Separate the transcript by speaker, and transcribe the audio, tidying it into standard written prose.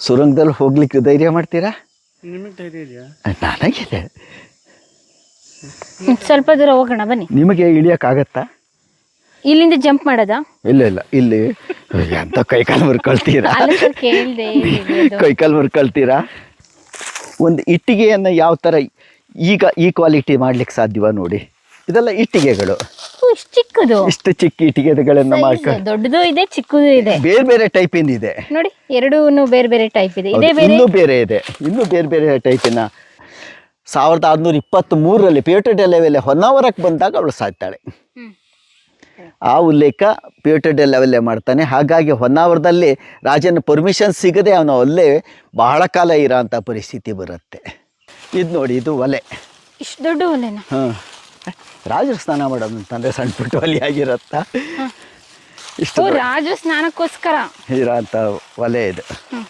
Speaker 1: ಸುರಂಗದಲ್ಲಿ ಹೋಗ್ಲಿಕ್ಕೆ ಧೈರ್ಯ ಮಾಡ್ತೀರಾ?
Speaker 2: ನಿಮಗೆ ಧೈರ್ಯ ಇದೆಯಾ?
Speaker 1: ನನಗಿದೆ.
Speaker 3: ಸ್ವಲ್ಪ ದೂರ ಹೋಗೋಣ ಬನ್ನಿ.
Speaker 1: ನಿಮಗೆ ಇಳಿಯೋಕ್ಕಾಗತ್ತಾ?
Speaker 3: ಇಲ್ಲಿಂದ ಜಂಪ್ ಮಾಡೋದಾ?
Speaker 1: ಇಲ್ಲ ಇಲ್ಲ, ಇಲ್ಲಿ ಎಂತ ಕೈಕಾಲು ಮುರ್ಕೊಳ್ತೀರಾ?
Speaker 3: ಕೇಳಿದೆ.
Speaker 1: ಕೈಕಾಲು ಮುರ್ಕೊಳ್ತೀರಾ? ಒಂದು ಇಟ್ಟಿಗೆಯನ್ನು ಯಾವ ಥರ ಈಗ ಈ ಕ್ವಾಲಿಟಿ ಮಾಡ್ಲಿಕ್ಕೆ ಸಾಧ್ಯವ ನೋಡಿ. ಇದೆಲ್ಲ ಇಟ್ಟಿಗೆಗಳು,
Speaker 3: ಇಷ್ಟು ಚಿಕ್ಕದು,
Speaker 1: ಇಷ್ಟು ಚಿಕ್ಕ ಇಟ್ಟಿಗೆಗಳನ್ನು ಮಾಡ್ಕೊಂಡು
Speaker 3: ದೊಡ್ಡದು ಇದೆ, ಚಿಕ್ಕದು ಇದೆ,
Speaker 1: ಬೇರೆ ಬೇರೆ ಟೈಪಿಂದ ಇದೆ
Speaker 3: ನೋಡಿ. ಎರಡೂ ಬೇರೆ ಬೇರೆ ಟೈಪ್ ಇದೆ. ಇದೇ ಬೇರೆ,
Speaker 1: ಇನ್ನೂ ಬೇರೆ ಇದೆ, ಇನ್ನೂ ಬೇರೆ ಬೇರೆ ಟೈಪಿನ. 1623ರಲ್ಲಿ ಪಿಯೋಟರ್ ಡೆ ಲೆವೆಲೆ ಹೊನ್ನಾವರಕ್ಕೆ ಬಂದಾಗ ಅವಳು ಸಾಯ್ತಾಳೆ. ಆ ಉಲ್ಲೇಖ ಪಿಯೋಟರ್ ಡೆ ಲೆವೆಲ್ಲೇ ಮಾಡ್ತಾನೆ. ಹಾಗಾಗಿ ಹೊನ್ನಾವರದಲ್ಲಿ ರಾಜನ ಪರ್ಮಿಷನ್ ಸಿಗದೆ ಅವನು ಅಲ್ಲೇ ಬಹಳ ಕಾಲ ಇರೋ ಅಂಥ ಪರಿಸ್ಥಿತಿ ಬರುತ್ತೆ. ಇದು ನೋಡಿ, ಇದು ಒಲೆ.
Speaker 3: ಇಷ್ಟು ದೊಡ್ಡ ಒಲೆನಾ?
Speaker 1: ಹಾಂ, ರಾಜರು ಸ್ನಾನ ಮಾಡೋದು ಅಂತಂದರೆ ಸಣ್ಣ ಪುಟ್ಟ ಒಲೆ ಆಗಿರತ್ತಾ? ಇಷ್ಟು
Speaker 3: ರಾಜ ಸ್ನಾನಕ್ಕೋಸ್ಕರ
Speaker 1: ಇರೋ ಅಂಥ ಒಲೆ ಇದು.